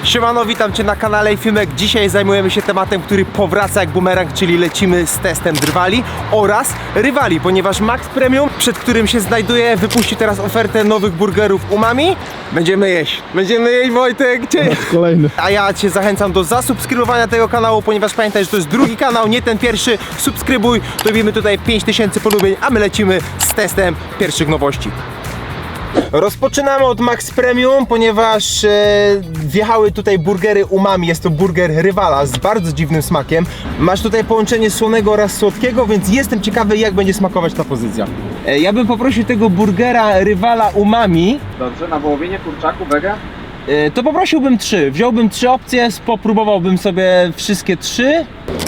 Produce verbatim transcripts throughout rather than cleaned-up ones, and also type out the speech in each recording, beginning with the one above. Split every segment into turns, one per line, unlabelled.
Siemano, witam Cię na kanale Filmek. Dzisiaj zajmujemy się tematem, który powraca jak bumerang, czyli lecimy z testem drwali oraz rywali, ponieważ Max Premium, przed którym się znajduje, wypuścił teraz ofertę nowych burgerów umami. Będziemy jeść. Będziemy jeść, Wojtek. Cie...
Kolejny.
A ja Cię zachęcam do zasubskrybowania tego kanału, ponieważ pamiętaj, że to jest drugi kanał, nie ten pierwszy. Subskrybuj, dobijmy tutaj pięć tysięcy polubień, a my lecimy z testem pierwszych nowości. Rozpoczynamy od Max Premium, ponieważ e, wjechały tutaj burgery umami. Jest to burger rywala z bardzo dziwnym smakiem. Masz tutaj połączenie słonego oraz słodkiego, więc jestem ciekawy, jak będzie smakować ta pozycja. E, ja bym poprosił tego burgera rywala umami.
Dobrze, na wołowinie, kurczaku, wege?
E, to poprosiłbym trzy. Wziąłbym trzy opcje, popróbowałbym sobie wszystkie trzy.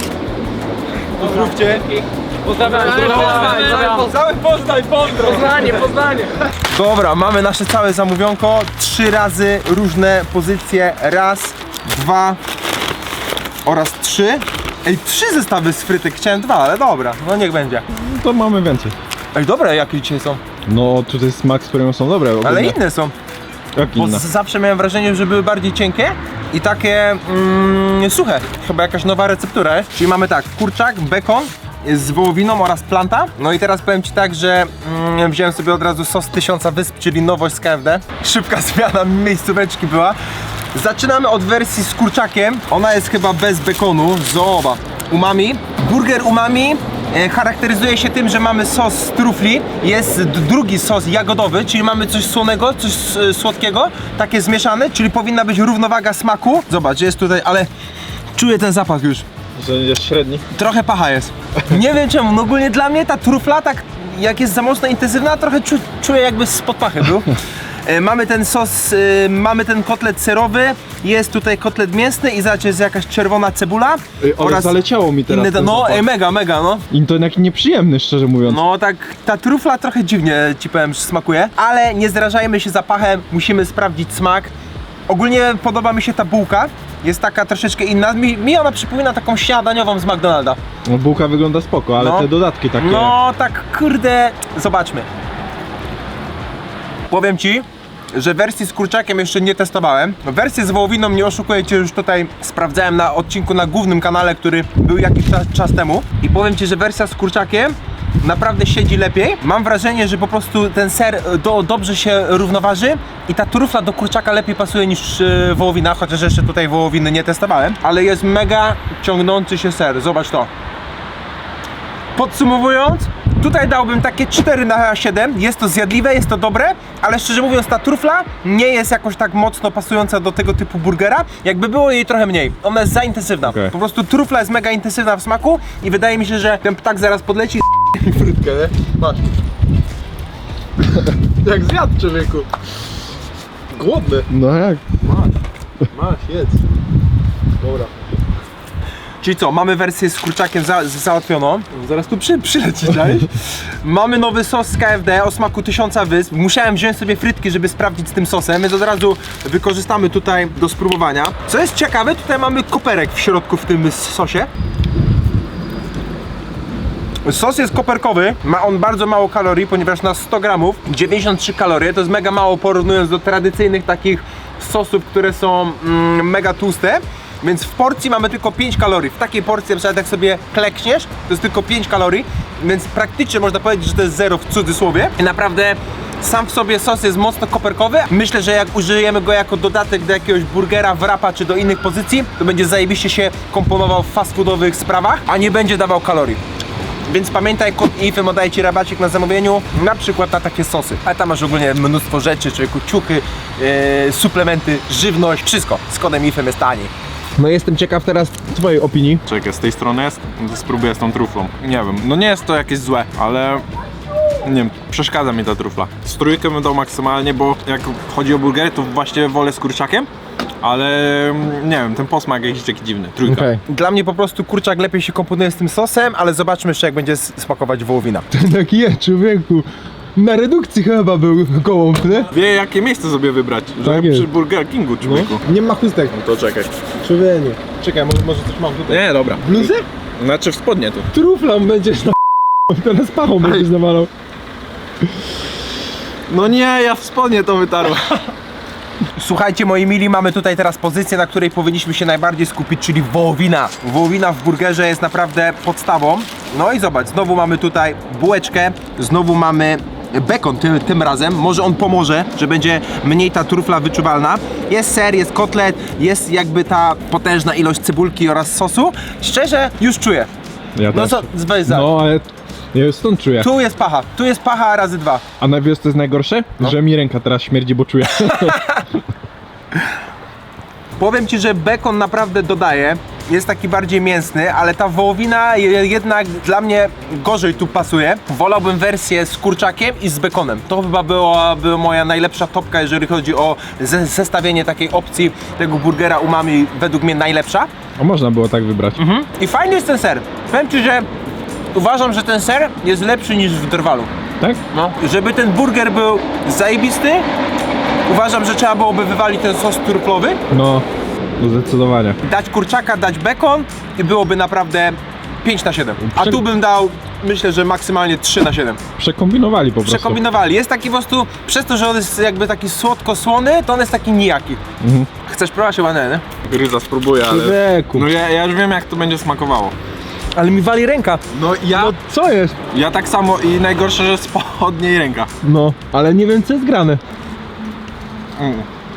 Pozdrówcie.
Pozdrawiam,
Cały Poznań, pozdro!
Poznanie, Poznanie!
Dobra, mamy nasze całe zamówionko. Trzy razy różne pozycje. Raz, dwa oraz trzy. Ej, trzy zestawy z frytek. Chciałem dwa, ale dobra, no niech będzie.
To mamy więcej.
Ej, dobre jakie dzisiaj są.
No tutaj z Max Premium są dobre.
Ale
ogólnie.
inne są.
Jak
Bo
inne?
z- zawsze miałem wrażenie, że były bardziej cienkie i takie mm, suche. Chyba jakaś nowa receptura jest. Czyli mamy tak, kurczak, bekon z wołowiną oraz planta. No i teraz powiem Ci tak, że mm, wziąłem sobie od razu sos tysiąca wysp, czyli nowość z K F D. Szybka zmiana miejscóweczki była. Zaczynamy od wersji z kurczakiem. Ona jest chyba bez bekonu. Zobacz. Umami. Burger umami e, charakteryzuje się tym, że mamy sos z trufli. Jest d- drugi sos jagodowy, czyli mamy coś słonego, coś s- słodkiego. Takie zmieszane, czyli powinna być równowaga smaku. Zobacz, jest tutaj, ale czuję ten zapach już.
Że jest średni.
Trochę pacha jest. Nie wiem czemu, no ogólnie dla mnie ta trufla tak, jak jest za mocno intensywna, trochę czu, czuję jakby spod pachy był. E, mamy ten sos, e, mamy ten kotlet serowy, jest tutaj kotlet mięsny i zobacz, jest jakaś czerwona cebula.
Ej, ale zaleciało mi teraz
inne,
ten
no
zapach.
ej, mega, mega no.
I to taki nieprzyjemny, szczerze mówiąc.
No tak, ta trufla trochę dziwnie ci powiem, że smakuje, ale nie zrażajmy się zapachem, musimy sprawdzić smak. Ogólnie podoba mi się ta bułka, jest taka troszeczkę inna, mi, mi ona przypomina taką śniadaniową z McDonalda.
No, bułka wygląda spoko, ale
No.
te dodatki takie...
No tak kurde, zobaczmy. Powiem Ci, że wersji z kurczakiem jeszcze nie testowałem. Wersję z wołowiną, nie oszukuję Cię, już tutaj sprawdzałem na odcinku na głównym kanale, który był jakiś czas, czas temu. I powiem Ci, że wersja z kurczakiem naprawdę siedzi lepiej. Mam wrażenie, że po prostu ten ser do, dobrze się równoważy i ta trufla do kurczaka lepiej pasuje niż yy, wołowina, chociaż jeszcze tutaj wołowiny nie testowałem. Ale jest mega ciągnący się ser, zobacz to. Podsumowując, tutaj dałbym takie cztery na siedem, jest to zjadliwe, jest to dobre, ale szczerze mówiąc ta trufla nie jest jakoś tak mocno pasująca do tego typu burgera, jakby było jej trochę mniej, ona jest za intensywna,
Okay.
po prostu trufla jest mega intensywna w smaku i wydaje mi się, że ten ptak zaraz podleci i frytkę, nie? Masz. Jak zjadł, człowieku. Głodny.
No jak?
Masz, masz, jedz. Dobra. Czyli co, mamy wersję z kurczakiem za, załatwioną. Zaraz tu przy, przyleci, tak? Mamy nowy sos z K F D o smaku tysiąca wysp. Musiałem wziąć sobie frytki, żeby sprawdzić z tym sosem, więc od razu wykorzystamy tutaj do spróbowania. Co jest ciekawe, tutaj mamy koperek w środku w tym sosie. Sos jest koperkowy, ma on bardzo mało kalorii, ponieważ na sto gramów dziewięćdziesiąt trzy kalorie, to jest mega mało porównując do tradycyjnych takich sosów, które są mm, mega tłuste. Więc w porcji mamy tylko pięć kalorii. W takiej porcji, na przykład jak sobie klekniesz, to jest tylko pięć kalorii, więc praktycznie można powiedzieć, że to jest zero w cudzysłowie. I naprawdę sam w sobie sos jest mocno koperkowy. Myślę, że jak użyjemy go jako dodatek do jakiegoś burgera, wrapa czy do innych pozycji, to będzie zajebiście się komponował w fast foodowych sprawach, a nie będzie dawał kalorii. Więc pamiętaj, kod I F Y M oddaje Ci rabacik na zamówieniu, na przykład na takie sosy. A tam masz ogólnie mnóstwo rzeczy, człowieku, ciuchy, yy, suplementy, żywność, wszystko. Z kodem I F Y M jest taniej. No jestem ciekaw teraz Twojej opinii.
Czekaj, z tej strony jest? To spróbuję z tą truflą. Nie wiem, no nie jest to jakieś złe, ale nie wiem, przeszkadza mi ta trufla. Z trójkę bym dał maksymalnie, bo jak chodzi o burgery, to właściwie wolę z kurczakiem, ale nie wiem, ten posmak jakiś taki dziwny. Trójka.
Okej.
Dla mnie po prostu kurczak lepiej się komponuje z tym sosem, ale zobaczmy jeszcze jak będzie s- smakować wołowina.
Taki jest, człowieku. Na redukcji chyba był gołąb, nie?
Wie jakie miejsce sobie wybrać, żeby
jest.
przy Burger Kingu, człowieku.
Nie ma chustek.
No to czekaj.
Człowieniu. Czekaj, może, może coś mam tutaj.
Nie, dobra.
Bluzę?
Znaczy w spodnie tu.
Truflą będziesz na teraz pachą będziesz nawalał.
No nie, ja w spodnie to wytarłem.
Słuchajcie, moi mili, mamy tutaj teraz pozycję, na której powinniśmy się najbardziej skupić, czyli wołowina. Wołowina w burgerze jest naprawdę podstawą. No i zobacz, znowu mamy tutaj bułeczkę, znowu mamy bekon tym, tym razem. Może on pomoże, że będzie mniej ta trufla wyczuwalna. Jest ser, jest kotlet, jest jakby ta potężna ilość cebulki oraz sosu. Szczerze, już czuję.
Ja
No
też.
co, weź za.
No, ale ja już stąd czuję.
Tu jest pacha, tu jest pacha razy dwa.
A na wiosce jest najgorsze? Że mi ręka teraz śmierdzi, bo czuję.
Powiem Ci, że bekon naprawdę dodaje, jest taki bardziej mięsny, ale ta wołowina je- jednak dla mnie gorzej tu pasuje. Wolałbym wersję z kurczakiem i z bekonem. To chyba byłaby moja najlepsza topka, jeżeli chodzi o ze- zestawienie takiej opcji tego burgera umami, według mnie najlepsza.
A można było tak wybrać.
Mhm. I fajny jest ten ser. Powiem Ci, że uważam, że ten ser jest lepszy niż w drwalu.
Tak?
No. Żeby ten burger był zajebisty, uważam, że trzeba byłoby wywalić ten sos truflowy,
No, zdecydowanie.
dać kurczaka, dać bekon i byłoby naprawdę pięć na siedem. A
Prze-
tu bym dał, myślę, że maksymalnie trzy na siedem.
Przekombinowali po prostu.
Przekombinowali. Jest taki po prostu, przez to, że on jest jakby taki słodko-słony, to on jest taki nijaki.
Mhm.
Chcesz próbować chyba nie, nie?
Gryza spróbuję, ale...
Człowieku.
No ja, ja już wiem, jak to będzie smakowało.
Ale mi wali ręka.
No ja...
No co jest?
Ja tak samo i najgorsze, że spod niej ręka.
No, ale nie wiem co jest grane.
Mm.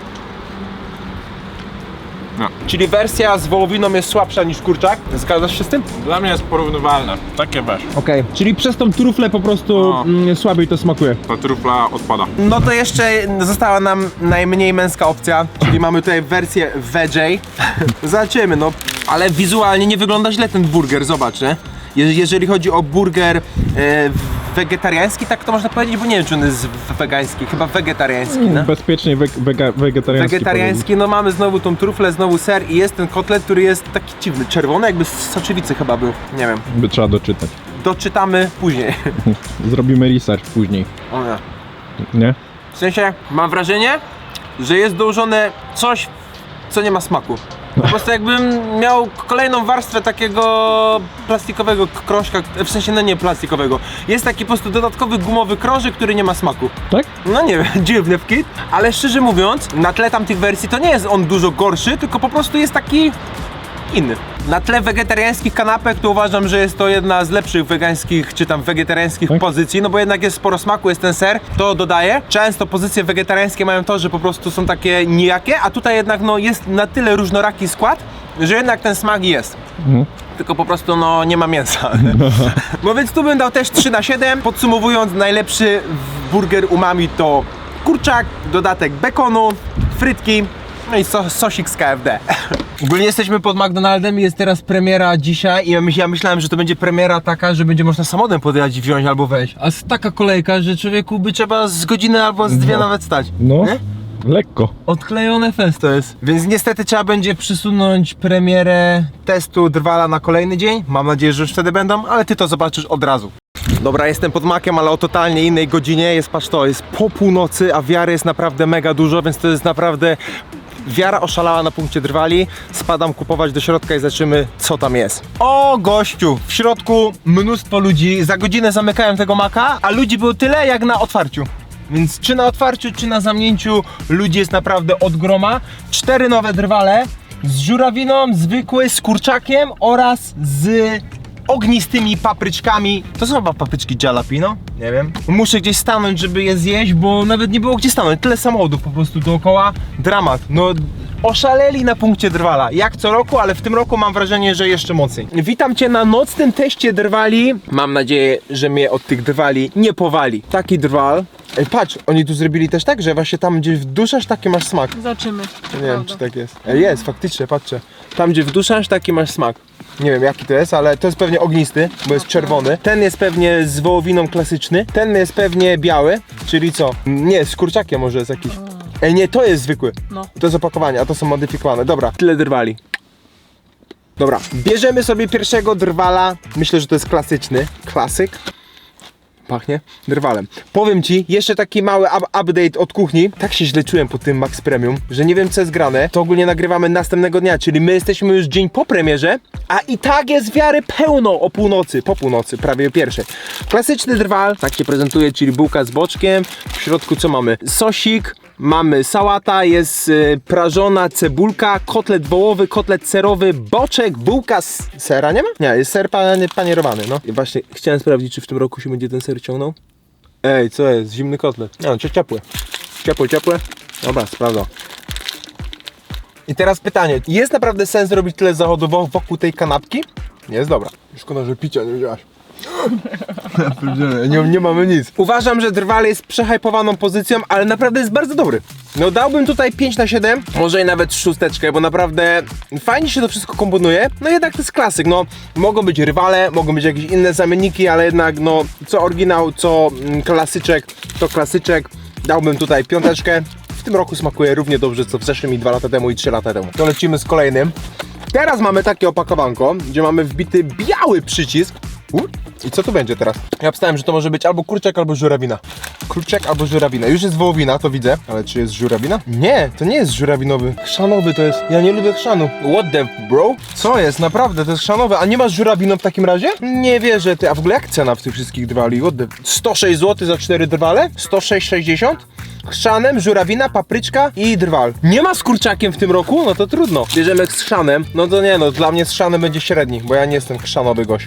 No.
Czyli wersja z wołowiną jest słabsza niż kurczak. Zgadzasz się z tym?
Dla mnie jest porównywalne. Takie weź.
Okej. Okay. Czyli przez tą truflę po prostu
No.
mm, słabiej to smakuje.
Ta trufla odpada.
No to jeszcze została nam najmniej męska opcja, czyli mamy tutaj wersję veggie. Zobaczymy, no. Ale wizualnie nie wygląda źle ten burger, zobacz, nie? Je- Jeżeli chodzi o burger e, wegetariański, tak to można powiedzieć, bo nie wiem, czy on jest wegański, chyba wegetariański, no?
Bezpiecznie we, wega, wegetariański.
Wegetariański, no mamy znowu tą truflę, znowu ser i jest ten kotlet, który jest taki dziwny, czerwony, jakby z soczewicy chyba był, nie wiem.
By trzeba doczytać.
Doczytamy później.
Zrobimy research później.
O nie.
Nie?
W sensie, mam wrażenie, że jest dołożone coś, co nie ma smaku. Po prostu jakbym miał kolejną warstwę takiego plastikowego krążka, w sensie no nie plastikowego. Jest taki po prostu dodatkowy gumowy krążek, który nie ma smaku.
Tak?
No nie wiem, dziwny wkit, ale szczerze mówiąc, na tle tamtych wersji to nie jest on dużo gorszy, tylko po prostu jest taki inny. Na tle wegetariańskich kanapek to uważam, że jest to jedna z lepszych wegańskich czy tam wegetariańskich
Tak?
pozycji, no bo jednak jest sporo smaku, jest ten ser, to dodaję. Często pozycje wegetariańskie mają to, że po prostu są takie nijakie, a tutaj jednak no jest na tyle różnoraki skład, że jednak ten smak jest.
Mhm.
Tylko po prostu no nie ma mięsa. No więc tu bym dał też trzy na siedem. Podsumowując, najlepszy burger umami to kurczak, dodatek bekonu, frytki, no i so, sosik z K F D. Ogólnie jesteśmy pod McDonaldem i jest teraz premiera dzisiaj i ja, myśl, ja myślałem, że to będzie premiera taka, że będzie można samochodem podjechać i wziąć albo wejść. A jest taka kolejka, że człowieku by trzeba z godziny albo z dwie
No.
nawet stać.
No,
Nie?
lekko.
Odklejone fest to jest. Więc niestety trzeba będzie przysunąć premierę testu Drwala na kolejny dzień. Mam nadzieję, że już wtedy będą, ale ty to zobaczysz od razu. Dobra, jestem pod makiem, ale o totalnie innej godzinie. Jest, patrz to, jest po północy, a wiary jest naprawdę mega dużo, więc to jest naprawdę... Wiara oszalała na punkcie Drwali. Spadam kupować do środka i zobaczymy, co tam jest. O gościu! W środku mnóstwo ludzi. Za godzinę zamykałem tego maka, a ludzi było tyle jak na otwarciu. Więc czy na otwarciu, czy na zamknięciu ludzi jest naprawdę od groma. Cztery nowe Drwale z żurawiną, zwykły, z kurczakiem oraz z ognistymi papryczkami. To są chyba papryczki jalapeno? Nie wiem. Muszę gdzieś stanąć, żeby je zjeść, bo nawet nie było gdzie stanąć. Tyle samochodów po prostu dookoła. Dramat. No oszaleli na punkcie Drwala. Jak co roku, ale w tym roku mam wrażenie, że jeszcze mocniej. Witam Cię na nocnym teście Drwali. Mam nadzieję, że mnie od tych Drwali nie powali. Taki Drwal. Ej, patrz, oni tu zrobili też tak, że właśnie tam gdzie wduszasz, taki masz smak.
Zobaczymy.
Nie wiem, czy tak jest. Ej, jest, faktycznie, patrzcie. Tam gdzie wduszasz, taki masz smak. Nie wiem jaki to jest, ale to jest pewnie ognisty, bo jest czerwony. Ten jest pewnie z wołowiną klasyczny. Ten jest pewnie biały, czyli co? Nie, z kurczakiem może jest jakiś. Ej, nie, to jest zwykły.
No.
To jest opakowanie, a to są modyfikowane. Dobra, tyle Drwali. Dobra, bierzemy sobie pierwszego Drwala. Myślę, że to jest klasyczny. Klasyk. Pachnie Drwalem. Powiem Ci, jeszcze taki mały up update od kuchni. Tak się źle czułem po tym Max Premium, że nie wiem co jest grane. To ogólnie nagrywamy następnego dnia, czyli my jesteśmy już dzień po premierze, a i tak jest wiary pełno o północy, po północy, prawie o pierwszej. Klasyczny Drwal, tak się prezentuje, czyli bułka z boczkiem. W środku co mamy? Sosik, mamy sałata, jest y, prażona cebulka, kotlet wołowy, kotlet serowy, boczek, bułka z sera, nie ma? Nie, jest ser pan, panierowany, no. I właśnie chciałem sprawdzić, czy w tym roku się będzie ten ser ciągnął. Ej, co jest? Zimny kotlet. No, czy ciepły? Ciepły, ciepły? Dobra, sprawdzam. I teraz pytanie, jest naprawdę sens robić tyle zachodów wokół tej kanapki? Jest dobra. Szkoda, że picia nie wziąłaś. nie, nie mamy nic. Uważam, że Drwal jest przehypowaną pozycją, ale naprawdę jest bardzo dobry. No dałbym tutaj pięć na siedem, może i nawet szósteczkę, bo naprawdę fajnie się to wszystko komponuje. No jednak to jest klasyk, no mogą być rywale, mogą być jakieś inne zamienniki, ale jednak no co oryginał, co mm, klasyczek, to klasyczek. Dałbym tutaj piąteczkę. W tym roku smakuje równie dobrze co w zeszłym i dwa lata temu i trzy lata temu. To lecimy z kolejnym. Teraz mamy takie opakowanko, gdzie mamy wbity biały przycisk. U? I co tu będzie teraz? Ja wstałem, że to może być albo kurczak, albo żurawina. Kurczak albo żurawina. Już jest wołowina, to widzę. Ale czy jest żurawina? Nie, to nie jest żurawinowy. Chrzanowy to jest. Ja nie lubię chrzanu. What the bro? Co jest? Naprawdę, to jest chrzanowe. A nie masz żurawiną w takim razie? Nie wierzę, ty. A w ogóle jak cena w tych wszystkich drwali? What the... sto sześć złotych za cztery drwale? sto sześć sześćdziesiąt? Chrzanem, żurawina, papryczka i drwal. Nie ma z kurczakiem w tym roku? No to trudno. Bierzemy z chrzanem. No to nie no, dla mnie z chrzanem będzie średni, bo ja nie jestem chrzanowy gość.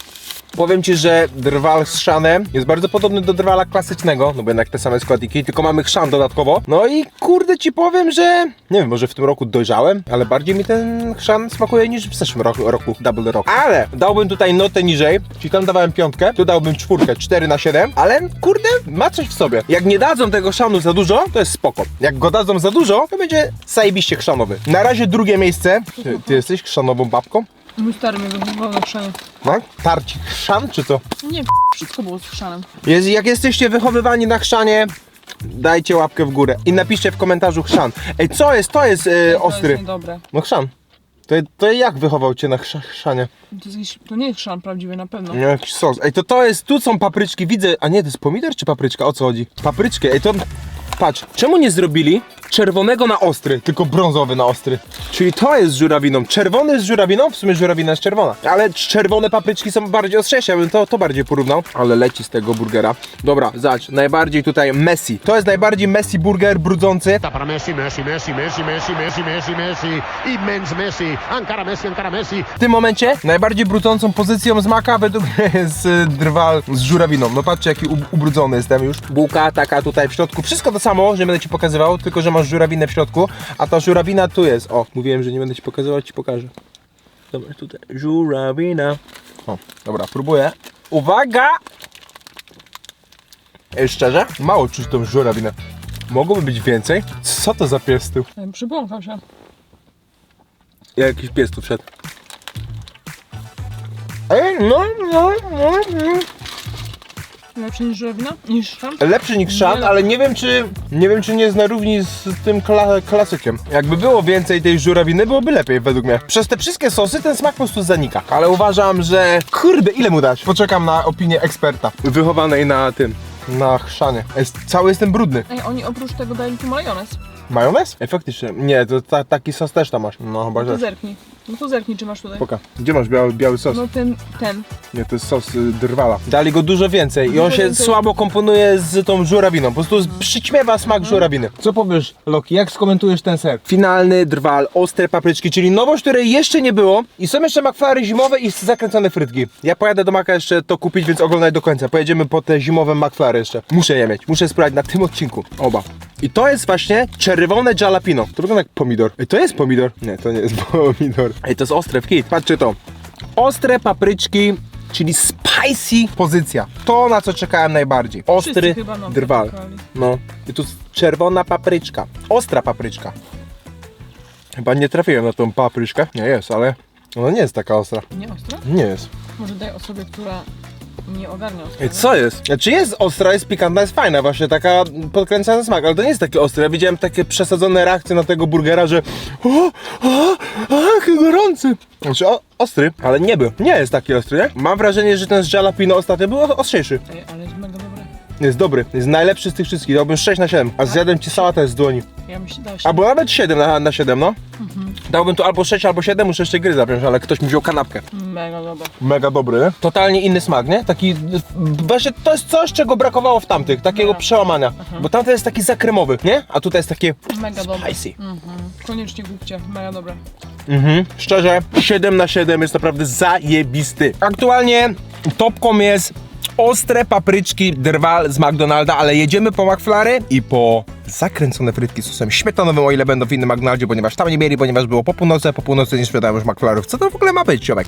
Powiem ci, że drwal z chrzanem jest bardzo podobny do drwala klasycznego, no bo jednak te same składniki, tylko mamy chrzan dodatkowo. No i kurde ci powiem, że nie wiem, może w tym roku dojrzałem, ale bardziej mi ten chrzan smakuje niż w zeszłym roku, roku Double Rock. Ale dałbym tutaj notę niżej, czyli tam dawałem piątkę, tu dałbym czwórkę, cztery na siedem, ale kurde, ma coś w sobie. Jak nie dadzą tego chrzanu za dużo, to jest spoko. Jak go dadzą za dużo, to będzie zajebiście chrzanowy. Na razie drugie miejsce. Ty, ty jesteś chrzanową babką?
Mój stary mnie wychowywał na chrzanie.
Tak? Tarci chrzan czy co?
Nie, wszystko było z chrzanem.
Jest, jak jesteście wychowywani na chrzanie, dajcie łapkę w górę i napiszcie w komentarzu chrzan. Ej, co jest? To jest yy,
To
ostry.
jest niedobre.
No chrzan. To, to jak wychował cię na chrz chrzanie?
To, jest jakiś, to nie jest chrzan prawdziwy na pewno.
Nie, jakiś sos. Ej, to to jest, tu są papryczki, widzę. A nie, to jest pomidor czy papryczka? O co chodzi? Papryczki, ej to... Patrz, czemu nie zrobili czerwonego na ostry, tylko brązowy na ostry? Czyli to jest z żurawiną. Czerwony z żurawiną? W sumie żurawina jest czerwona. Ale czerwone papryczki są bardziej ostrzejsze, ja bym to, to bardziej porównał. Ale leci z tego burgera. Dobra, zobacz, najbardziej tutaj Messi. To jest najbardziej Messi burger, brudzący.
Para Messi, Messi, Messi, Messi, Messi, Messi, Messi, Messi, immens Messi, ancora Messi, ancora Messi.
W tym momencie najbardziej brudzącą pozycją z maka według mnie jest y, drwal z żurawiną. No patrzcie jaki u- ubrudzony jestem już. Bułka taka tutaj w środku. Wszystko to samo, że będę ci pokazywał, tylko że masz żurawinę w środku, a ta żurawina tu jest. O, mówiłem, że nie będę ci pokazywał, ci pokażę. Dobra, tutaj żurawina. O, dobra, próbuję. Uwaga! Ej, szczerze? Mało czuć tą żurawinę. Mogłoby być więcej? Co to za pies tu?
Ej, Przypomniał się.
Jakiś pies tu wszedł. Ej, no, no, no, no.
Lepszy niż żurawina? Niż chrzan?
Lepszy niż szan,
Nie.
ale nie wiem czy nie wiem czy nie jest na równi z tym kla klasykiem. Jakby było więcej tej żurawiny, byłoby lepiej według mnie. Przez te wszystkie sosy ten smak po prostu zanika. Ale uważam, że kurde, ile mu dać? Poczekam na opinię eksperta wychowanej na tym, na chrzanie. Jest, cały jestem brudny.
Ej, oni oprócz tego dali tu majonez.
Majonez? Ej, faktycznie. Nie, to ta, taki sos też tam masz. No chyba,
No to
że.
zerknij. No to zerknij, czy masz tutaj.
Poka. Gdzie masz biały, biały sos?
No ten, ten.
Nie, to jest sos y, drwala. Dali go dużo więcej i on
Dużo
się
więcej.
słabo komponuje z tą żurawiną. Po prostu przyćmiewa smak żurawiny. Co powiesz, Loki, jak skomentujesz ten ser? Finalny drwal, ostre papryczki, czyli nowość, której jeszcze nie było. I są jeszcze McFlurry zimowe i zakręcone frytki. Ja pojadę do Maka jeszcze to kupić, więc oglądaj do końca. Pojedziemy po te zimowe McFlurry jeszcze. Muszę je mieć, muszę sprawdzić na tym odcinku. Oba. I to jest właśnie czerwone jalapeno. To wygląda jak pomidor. Ej, to jest pomidor. Nie, to nie jest pomidor. Ej, to jest ostre w kit. Patrzcie to. Ostre papryczki, czyli spicy pozycja. To, na co czekałem najbardziej. Ostry
Wszyscy chyba nam
drwal.
czekali.
No. I tu jest czerwona papryczka. Ostra papryczka. Chyba nie trafiłem na tą papryczkę. Nie jest, ale ona nie jest taka ostra.
Nie ostre?
Nie jest.
Może daj osobie, która nie ogarnia ostre.
Ej, co jest? Znaczy jest ostra, jest pikantna, jest fajna, właśnie taka podkręcana smak, ale to nie jest takie ostre. Ja widziałem takie przesadzone reakcje na tego burgera, że o, o, o, jaki gorący. Znaczy o, ostry, ale nie był. Nie jest taki ostry, nie? Mam wrażenie, że ten z jalapeno ostatnio był os- ostrzejszy.
Ej, ale jest mega dobre.
Jest dobry, jest najlepszy z tych wszystkich, dałbym sześć na siedem, a zjadłem ci sałatę z dłoni.
Ja myślę, da się.
Albo nawet siedem na, na siedem, no. Dałbym tu albo sześć, albo siedem, muszę jeszcze gry zapiąć, ale ktoś mi wziął kanapkę.
Mega dobra.
Mega dobry. Totalnie inny smak, nie? Taki, właśnie to jest coś, czego brakowało w tamtych, takiego
No.
przełamania. Bo tamten jest taki zakremowy, nie? A tutaj jest takie
Mega dobre.
spicy.
Mhm. Koniecznie kupcie, mega dobre.
Mhm. Szczerze, siedem na siedem jest naprawdę zajebisty. Aktualnie topką jest ostre papryczki drwal z McDonalda, ale jedziemy po McFlurry i po zakręcone frytki z sosem śmietanowym, o ile będą w innym McDonaldzie, ponieważ tam nie mieli, ponieważ było po północy, a po północy nie sprzedają już McFlurrów. Co to w ogóle ma być, ciomek?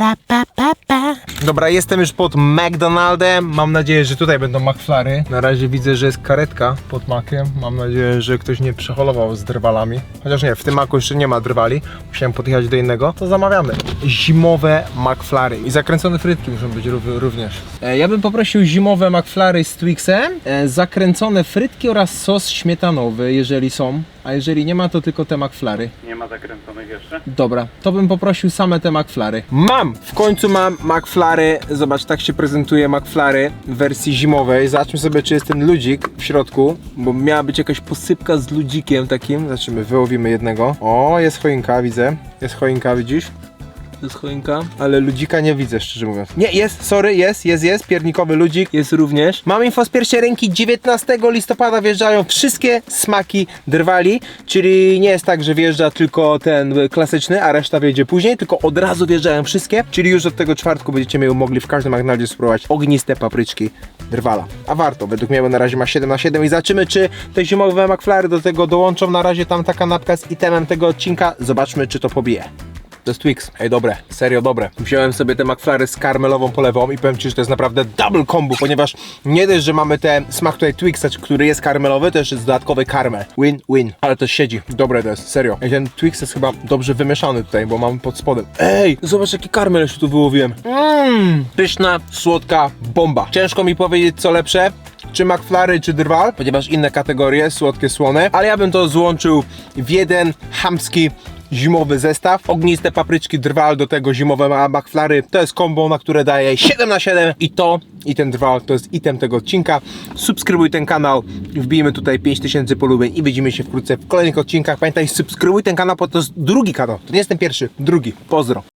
Dobra, jestem już pod McDonaldem. Mam nadzieję, że tutaj będą McFlurry. Na razie widzę, że jest karetka pod makiem. Mam nadzieję, że ktoś nie przeholował z drwalami. Chociaż nie, w tym maku jeszcze nie ma drwali. Musiałem podjechać do innego. To zamawiamy. Zimowe McFlurry. I zakręcone frytki muszą być rów- również. E, ja bym poprosił zimowe McFlurry z Twixem, e, zakręcone frytki oraz sos śmietanowy, jeżeli są. A jeżeli nie ma, to tylko te McFlurry.
Nie ma zakręconych jeszcze?
Dobra, to bym poprosił same te McFlurry. Mam! W końcu mam McFlurry. Zobacz, tak się prezentuje McFlurry w wersji zimowej. Zobaczmy sobie, czy jest ten ludzik w środku, bo miała być jakaś posypka z ludzikiem takim. Zobaczymy, wyłowimy jednego. O, jest choinka, widzę. Jest choinka, widzisz? To jest choinka, ale ludzika nie widzę, szczerze mówiąc. Nie, jest, sorry, jest, jest, jest, piernikowy ludzik, jest również. Mam info z pierwszej ręki, dziewiętnastego listopada wjeżdżają wszystkie smaki drwali, czyli nie jest tak, że wjeżdża tylko ten klasyczny, a reszta wjedzie później, tylko od razu wjeżdżają wszystkie, czyli już od tego czwartku będziecie mieli mogli w każdym McDonaldzie spróbować ogniste papryczki drwala. A warto, według mnie, bo na razie ma siedem na siedem i zobaczymy, czy te zimowe McFlurry do tego dołączą. Na razie tam ta kanapka z itemem tego odcinka, zobaczmy, czy to pobije. To jest Twix. Ej, dobre, serio dobre. Wziąłem sobie te McFlurry z karmelową polewą i powiem ci, że to jest naprawdę double combo, ponieważ nie dość, że mamy ten smak tutaj Twixa, który jest karmelowy, to jeszcze jest dodatkowy karmel. Win, win. Ale to siedzi. Dobre to jest, serio. Ej, ten Twix jest chyba dobrze wymieszany tutaj, bo mam pod spodem. Ej, zobacz jaki karmel jeszcze tu wyłowiłem. Mmm, pyszna, słodka bomba. Ciężko mi powiedzieć, co lepsze, czy McFlurry, czy drwal, ponieważ inne kategorie, słodkie, słone, ale ja bym to złączył w jeden chamski zimowy zestaw. Ogniste papryczki drwal, do tego zimowe McFlurry. To jest kombo, na które daję siedem na siedem i to, i ten drwal to jest item tego odcinka. Subskrybuj ten kanał, wbijmy tutaj pięć tysięcy polubień i widzimy się wkrótce w kolejnych odcinkach. Pamiętaj, subskrybuj ten kanał, bo to jest drugi kanał. To nie jest ten pierwszy, drugi. Pozdro.